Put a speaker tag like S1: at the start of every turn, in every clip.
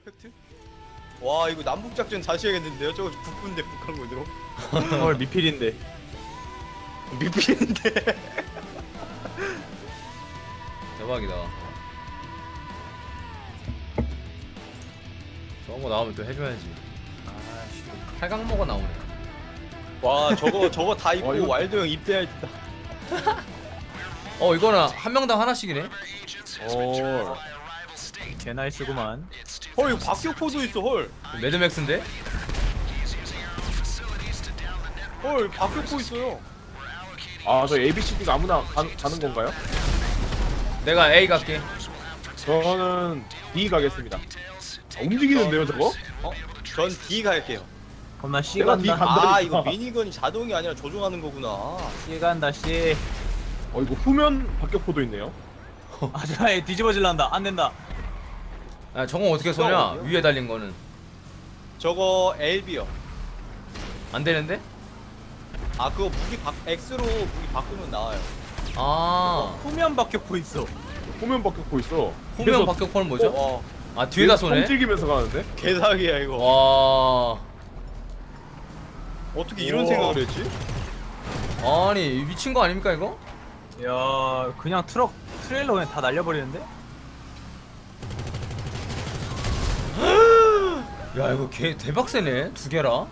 S1: 팩트? 와 이거 남북작전 다시 해야겠는데요? 저거 북군데 북한군으로
S2: 헐 미필인데.
S1: 미필인데
S3: 대박이다. 저런 거 나오면 또 해줘야지. 아씨, 팔강모가 나오네.
S1: 와 저거 다 입고
S2: 이거-
S1: 와일드 형 입대할 때
S3: 이거는 한 명당 하나씩이네.
S2: 개 나이스구만.
S1: 헐 이거 박격포도 있어 헐
S3: 매드맥스인데?
S1: 헐 박격포 있어요
S4: 저 ABCD가 아무나 가는 건가요?
S3: 내가 A 갈게.
S4: 저는 D 가겠습니다. 움직이는데요 저거?
S1: 전 D 갈게요
S2: 겁나 씨
S4: 내가 D
S2: 간다.
S4: 간다.
S1: 아 이거 미니건이 자동이 아니라 조종하는 거구나
S2: 씨 간다 씨.
S4: 이거 후면 박격포도 있네요.
S2: 아저얘 뒤집어질란다. 안 된다.
S3: 아, 저건 어떻게 쏘냐?
S1: 어디요?
S3: 위에 달린 거는
S1: 저거 LB요
S3: 안 되는데?
S1: 아 그거 X로 무기 바꾸면 나와요
S3: 아,
S2: 후면 박격포 있어.
S4: 후면 박격포 있어.
S3: 후면 박격포는 뭐죠?
S1: 와
S3: 아, 뒤에다 쏘네.
S4: 움직이면서 가는데?
S1: 개사기야 이거
S3: 와,
S1: 어떻게 이런
S4: 우와.
S1: 생각을 했지?
S3: 아니 미친 거 아닙니까 이거?
S2: 야 그냥 트레일러 그냥 다 날려버리는데?
S3: 야 이거 개 대박 세네. 두 개라.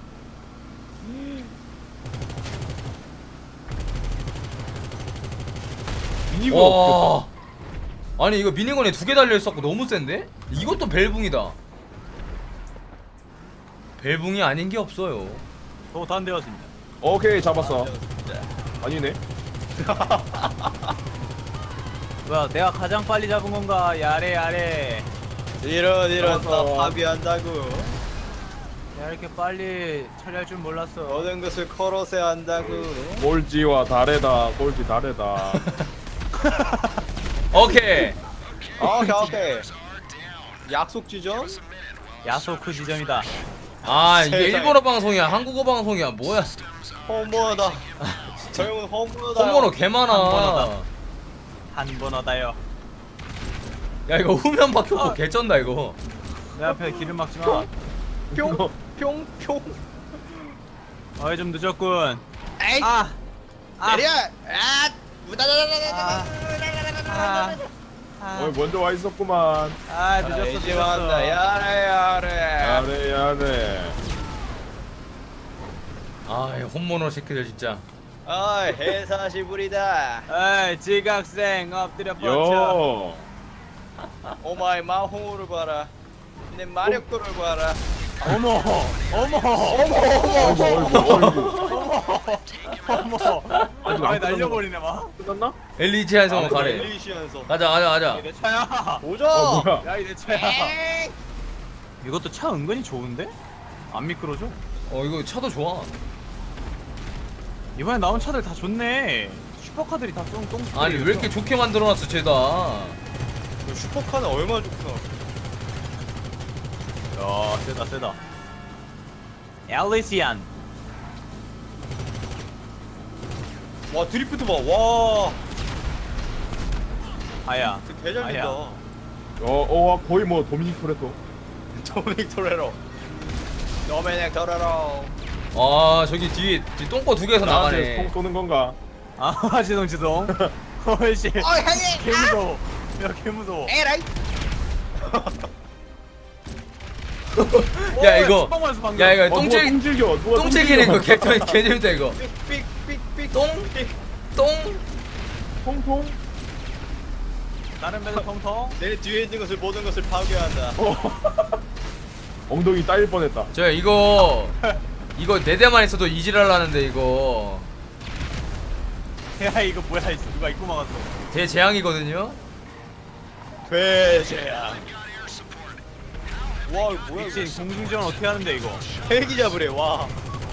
S4: 미니건
S3: 와. 아니 이거 미니건에 두 개 달려 있었고 너무 센데? 이것도 벨붕이다. 벨붕이 아닌 게 없어요.
S2: 저거 다 안 되었습니다.
S4: 오케이 잡았어. 아니네.
S2: 뭐야 내가 가장 빨리 잡은 건가? 야래.
S1: 이런 다
S4: 잡았어.
S1: 파비한다고
S2: 야 이렇게 빨리 처리할 줄 몰랐어.
S1: 모든 것을 커러세 한다고
S4: 꼴찌와 다르다. 꼴찌 다르다.
S3: 오케이.
S1: 오케이 약속 지점?
S2: 야소크 지점이다.
S3: 아 이게
S1: 세상에.
S3: 일본어 방송이야 한국어 방송이야 뭐야?
S1: 홈번호다 저 형은 홈번호다
S3: 홈번호 개 많아.
S2: 번호다. 한 번어다요.
S3: 야 이거 후면 박혔고 개 쩐다 이거.
S2: 내 앞에 기름 막지 마.
S1: 뿅뿅뿅
S2: 어이 좀 늦었군.
S1: 에이
S2: 아.
S1: 내려 아
S4: 먼저 와 있었구만.
S2: 늦었어.
S1: 이제 왔다 야래
S4: 야래 야래.
S3: 아 홈모노 새끼들 진짜.
S1: 아 해사시부리다
S2: 에이 지각생 엎드려 뻗쳐.
S4: 요.
S1: 오마이 마홍우를 봐라 내 마력도를 봐라
S2: 어머. 아 날려버리네 막.
S4: 끝났나?
S3: 엘리지한성으로 가래.
S1: 엘리시안서
S3: 가자.
S2: 내 차야.
S1: 보자
S4: 뭐야?
S2: 야 이 내 차야. 이것도 차 은근히 좋은데? 안 미끄러져.
S3: 이거 차도 좋아.
S2: 이번에 나온 차들 다 좋네. 슈퍼카들이 다 똥.
S3: 아니 왜 이렇게 좋게 만들어놨어 쟤다.
S1: 슈퍼카는 얼마나 좋구나
S2: 야 세다. 엘리시안.
S1: 와 드리프트 봐와
S2: 아야.
S1: 개잘된다
S4: 거의 뭐 도미닉 토레토.
S1: 도미닉 토레로 도미닉 토레로
S3: 아 저기 뒤 똥꼬 두 개에서
S4: 나한테 통
S3: 나가네.
S4: 쏘는 건가?
S2: 아 지동. 헐씨.
S1: 형님
S2: 개 무서워. 야 개 무서워.
S1: 에라이
S3: 야 이거
S2: 축방만에서 방금.
S3: 야 이거
S4: 누가
S3: 똥질
S4: 똥질겨. 누가
S3: 똥질기는 거 개 재밌다 이거.
S1: 삑삑삑삑
S3: 똥? 똥?
S4: 통통.
S2: 다른 배도 통통.
S1: 내 뒤에 있는 것을 모든 것을 파괴한다
S4: 엉덩이 따일 뻔했다.
S3: 저 이거 네 대만 있어도 이질하려는데 이거
S2: 야 이거 뭐야 이거 누가 입고 막았어.
S3: 대재앙이거든요.
S1: 괴재야 와 이거 뭐야
S2: 미친
S1: 이거
S2: 공중전 어떻게 하는데 이거.
S1: 헬기 잡으래 와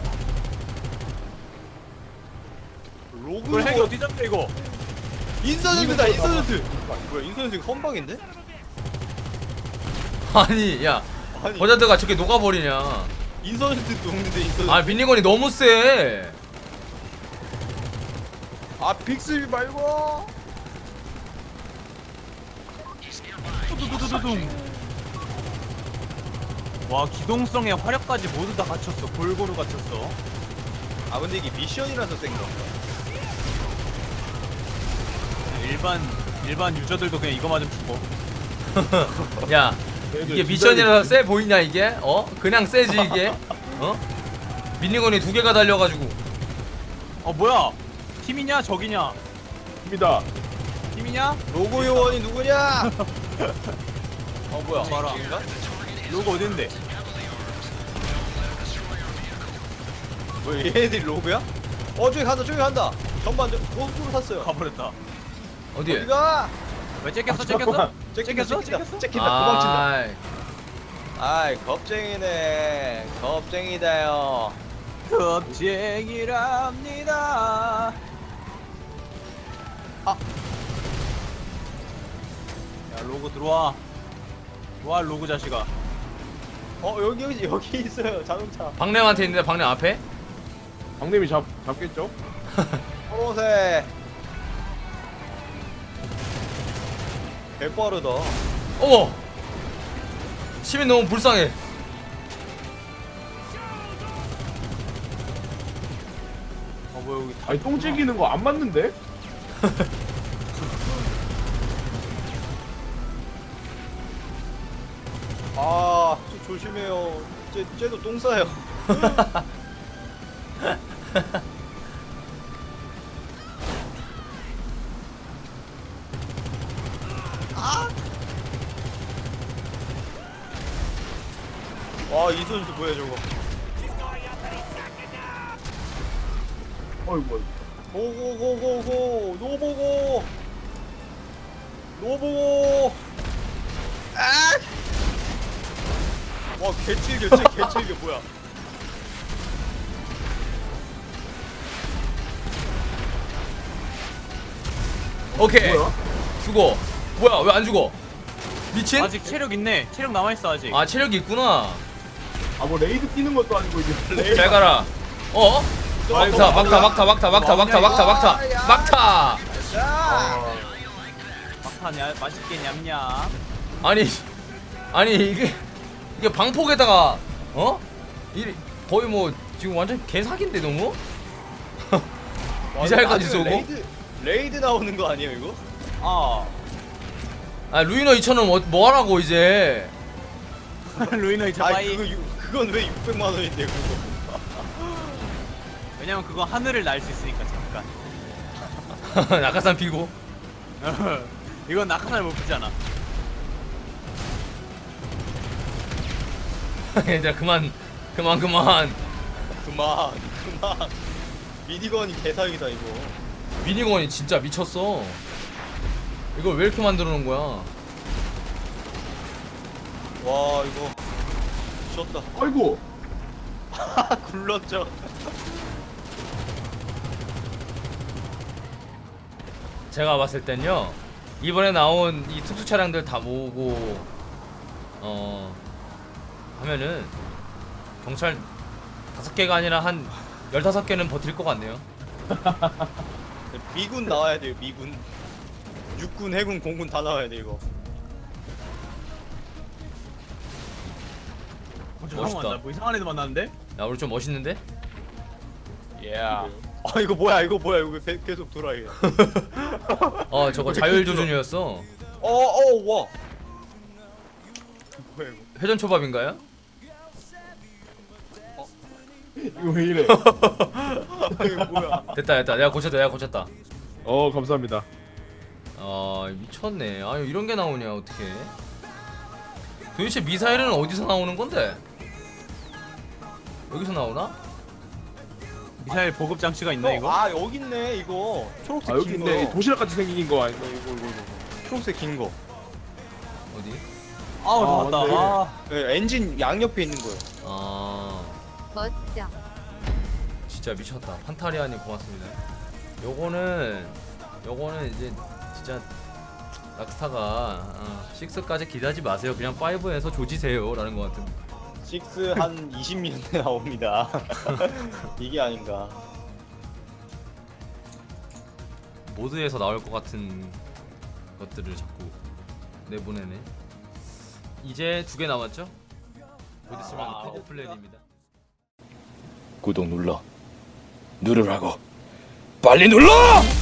S1: 로그
S2: 이걸 핵이 어디 잡냐 이거.
S1: 인서전트다 인서전트 뭐야 인서전트 선방인데?
S3: 아니 야
S1: 아니
S3: 버자드가 저렇게 녹아버리냐.
S1: 인서전트도 없는데 인서전트
S3: 아 미니건이 너무 세.
S1: 아 빅스비 말고
S2: 두두두두둥. 와 기동성에 화력까지 모두 다 갖췄어. 골고루 갖췄어.
S1: 아 근데 이게 미션이라서 센 건가?
S2: 일반 유저들도 그냥 이거 맞으면 죽어.
S3: 야 이게 미션이라서 세 보이냐 이게? 어? 그냥 세지 이게? 어? 미니건이 2개가 달려가지고
S2: 뭐야? 팀이냐 적이냐?
S4: 입니다.
S2: 팀이냐?
S1: 로고 요원이 누구냐? 뭐야?
S2: 봐라.
S1: 인가?
S2: 로고 어딘데?
S1: 뭐 얘네들이 로고야? 저기 간다 저기 간다. 전반 고속도로 탔어요.
S2: 가버렸다.
S3: 어디에?
S1: 어디가?
S2: 왜 째꼈어?
S4: 잠깐만.
S2: 째꼈어?
S1: 째낀다 도망친다.
S3: 아이,
S1: 아이 겁쟁이네. 겁쟁이다요.
S2: 겁쟁이랍니다. 야 로고 들어와. 와 로고 자식아.
S1: 여기 있어요 자동차.
S3: 박냄한테 있는데 박냄 앞에?
S4: 박님이 잡겠죠?
S1: 초록색. 개빠르다.
S3: 어머! 시민 너무 불쌍해.
S2: 뭐야 여기
S4: 아니 똥 찌기는 거 안 맞는데?
S1: 조심해요. 쟤도 똥 싸요. 이 선수 뭐야 저거?
S4: 어이구.
S1: 고고고고고 노보고 노보고 와 개칠겨 개칠겨 뭐야?
S3: 오케이.
S4: 뭐야?
S3: 죽어. 뭐야 왜 안 죽어? 미친?
S2: 아직 체력 있네. 체력 남아있어 아직.
S3: 아 체력이 있구나.
S4: 아 뭐 레이드 뛰는 것도 아니고 이제.
S3: 잘 가라. 어? 자 막타.
S1: 자,
S2: 막타 맛있게 냠냠.
S3: 아니 이게 방폭에다가 어? 거의 뭐 지금 완전 개사기인데 너무? 미사일까지 쏘고?
S1: 레이드 나오는 거 아니에요 이거?
S3: 아 루이너 2,000원 뭐 하라고 이제?
S2: 루이너 이차
S1: 아니
S2: 빠이.
S1: 그건 왜 600만 원인데 그거?
S2: 왜냐면 그거 하늘을 날 수 있으니까 잠깐.
S3: 낙하산 피고.
S2: 이건 낙하산을 못 피잖아.
S3: 얘들아 그만.
S1: 미니건이 개사기다 이거.
S3: 미니건이 진짜 미쳤어. 이걸 왜 이렇게 만들어 놓은 거야?
S1: 와 이거 미쳤다.
S4: 아이고.
S1: 굴렀죠.
S3: 제가 봤을 땐요 이번에 나온 이 특수 차량들 다 모으고 하면은 경찰 5개가 아니라 한 15개는 버틸 것 같네요.
S1: 미군 나와야 돼요 미군. 육군, 해군, 공군 다 나와야 돼 이거.
S2: 잠깐만 나뭐 이상한 애들 만났는데?
S3: 야 우리 좀 멋있는데?
S1: 이거 뭐야 이거 왜 계속 돌아 이게.
S3: 저거 자율조준이었어.
S1: 와. 뭐야 이거?
S3: 회전 초밥인가요?
S4: 이거 왜 이래?
S1: 이거 뭐야?
S3: 됐다 내가 고쳤다.
S4: 감사합니다.
S3: 미쳤네. 아유 이런 게 나오냐 어떻게? 도대체 미사일은 어디서 나오는 건데? 여기서 나오나?
S2: 미사일 보급 장치가 있나 이거?
S1: 여기 있네 이거. 초록색
S4: 여기
S1: 긴
S4: 있네.
S1: 거.
S4: 도시락 같이 생긴 거 아닌가 이거.
S1: 초록색 긴 거.
S3: 어디?
S2: 아우 나왔다.
S4: 맞네.
S1: 네, 엔진 양옆에 있는 거요.
S5: 멋져.
S3: 진짜 미쳤다. 판타리아님 고맙습니다. 요거는 이제 진짜 락스타가 6까지 기대하지 마세요. 그냥 5에서 조지세요 라는 것 같은.
S1: 6 한 20년대 나옵니다. 이게 아닌가.
S3: 모드에서 나올 것 같은 것들을 자꾸 내보내네. 이제 2개 남았죠? 곧 있으면 커버 플랜입니다.
S6: 구독 눌러 누르라고 빨리 눌러!